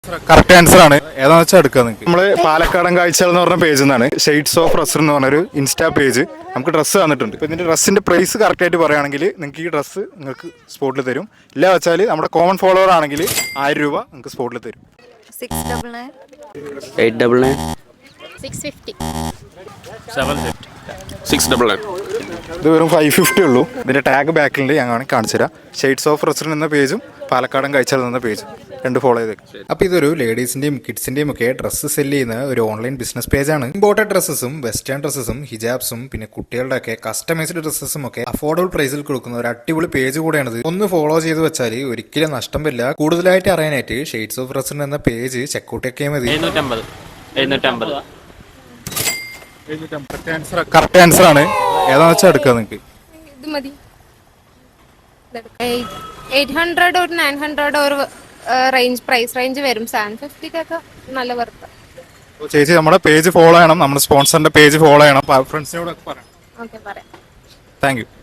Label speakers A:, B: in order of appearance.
A: Correct answer ആണ്. ഏതാണെന്ന് വെച്ചാൽ എടുക്കുക നിങ്ങൾക്ക്. നമ്മൾ പാലക്കാടൻ കാഴ്ചകൾ എന്ന് പറഞ്ഞ പേജിൽ നിന്നാണ് ഷെയ്ഡ്സ് ഓഫ് റസർ എന്ന് പറഞ്ഞൊരു ഇൻസ്റ്റാ പേജ് നമുക്ക് ഡ്രസ്സ് തന്നിട്ടുണ്ട്. ഇപ്പോൾ ഇതിൻ്റെ ഡ്രസ്സിൻ്റെ പ്രൈസ് കറക്റ്റായിട്ട് പറയുകയാണെങ്കിൽ നിങ്ങൾക്ക് ഈ ഡ്രസ്സ് നിങ്ങൾക്ക് സ്പോട്ടിൽ തരും. ഇല്ല വെച്ചാൽ നമ്മുടെ കോമൺ ഫോളോവർ ആണെങ്കിൽ 1000 രൂപ നിങ്ങൾക്ക് സ്പോട്ടിൽ തരും.
B: 699
C: 899
B: 650
D: 750
C: 699.
A: ഇത് വെറും 550 ഉള്ളൂ. ഇതിൻ്റെ ടാഗ് ബാക്കിലുണ്ട്, ഞാൻ കാണിച്ചു തരാം. ഷെയ്ഡ്സ് ഓഫ് റസർ എന്ന പേജും പാലക്കാടൻ കാഴ്ചകൾ എന്ന പേജും രണ്ട് ഫോളോ ചെയ്തേക്കും. അപ്പോൾ ഇതൊരു ലേഡീസിൻ്റെയും കിഡ്സിൻ്റെയും ഒക്കെ ഡ്രസ്സ് സെല്ല് ചെയ്യുന്ന ഒരു ഓൺലൈൻ ബിസിനസ് പേജാണ്. ഇമ്പോർട്ടഡ് ഡ്രസ്സസും വെസ്റ്റേൺ ഡ്രസ്സസും ഹിജാബ്സും പിന്നെ കുട്ടികളുടെ ഒക്കെ കസ്റ്റമൈസ്ഡ് ഡ്രസ്സസും ഒക്കെ അഫോർഡബിൾ പ്രൈസിൽ കൊടുക്കുന്ന ഒരു അടിപൊളി പേജ് കൂടെയാണിത്. ഒന്ന് ഫോളോ ചെയ്ത് വെച്ചാൽ ഒരിക്കലും നഷ്ടം വരില്ല. കൂടുതലായിട്ട് അറിയാനായിട്ട് ഷെയ്ഡ്സ് ഓഫ് റസർ എന്ന പേജ് ചെക്കൗട്ട് ഒക്കെ മതി.
D: 750
A: കറക്റ്റ് ആൻസർ ആണ്. ഏതാണെന്ന് വെച്ചാൽ എടുക്കുക നിങ്ങൾക്ക്.
B: ഇത് മതി. 800 or 900 or പ്രൈസ് റേഞ്ച് വരും. 750 നല്ല വർത്ത്.
A: ചേച്ചി നമ്മുടെ പേജ് ഫോളോ ചെയ്യണം, നമ്മുടെ സ്പോൺസറിന്റെ പേജ് ഫോളോ ചെയ്യണം. ഫ്രണ്ട്സിനോട് പറയാം.
B: ഓക്കെ പറയാം.
A: Thank U.